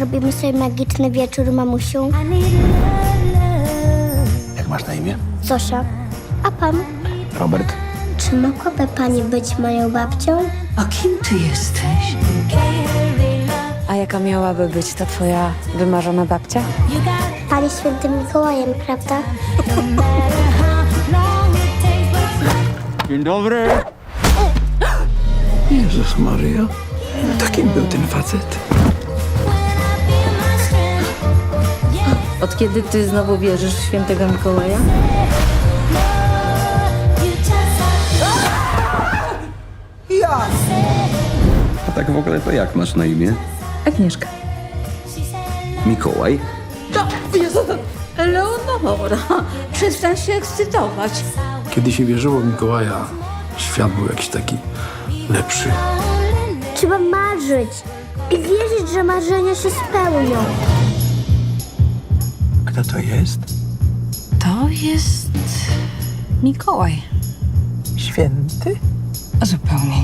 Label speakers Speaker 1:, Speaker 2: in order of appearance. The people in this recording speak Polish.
Speaker 1: zrobimy sobie magiczny wieczór, mamusiu?
Speaker 2: Jak masz na imię?
Speaker 1: Zosia, a pan?
Speaker 2: Robert.
Speaker 1: Czy mogłaby pani być moją babcią?
Speaker 3: A kim ty jesteś?
Speaker 4: A jaka miałaby być ta twoja wymarzona babcia?
Speaker 1: Pani świętym Mikołajem, prawda?
Speaker 2: Dzień dobry. Jezus Maryja. Takim był ten facet.
Speaker 3: Od kiedy ty znowu wierzysz w świętego Mikołaja?
Speaker 5: A tak w ogóle to jak masz na imię?
Speaker 3: Agnieszka.
Speaker 5: Mikołaj?
Speaker 3: Eleonora, przestań się ekscytować.
Speaker 2: Kiedy się wierzyło w Mikołaja, świat był jakiś taki lepszy.
Speaker 1: Trzeba marzyć i wierzyć, że marzenia się spełnią.
Speaker 2: Kto to jest?
Speaker 4: To jest Mikołaj.
Speaker 2: Święty?
Speaker 4: Zupełnie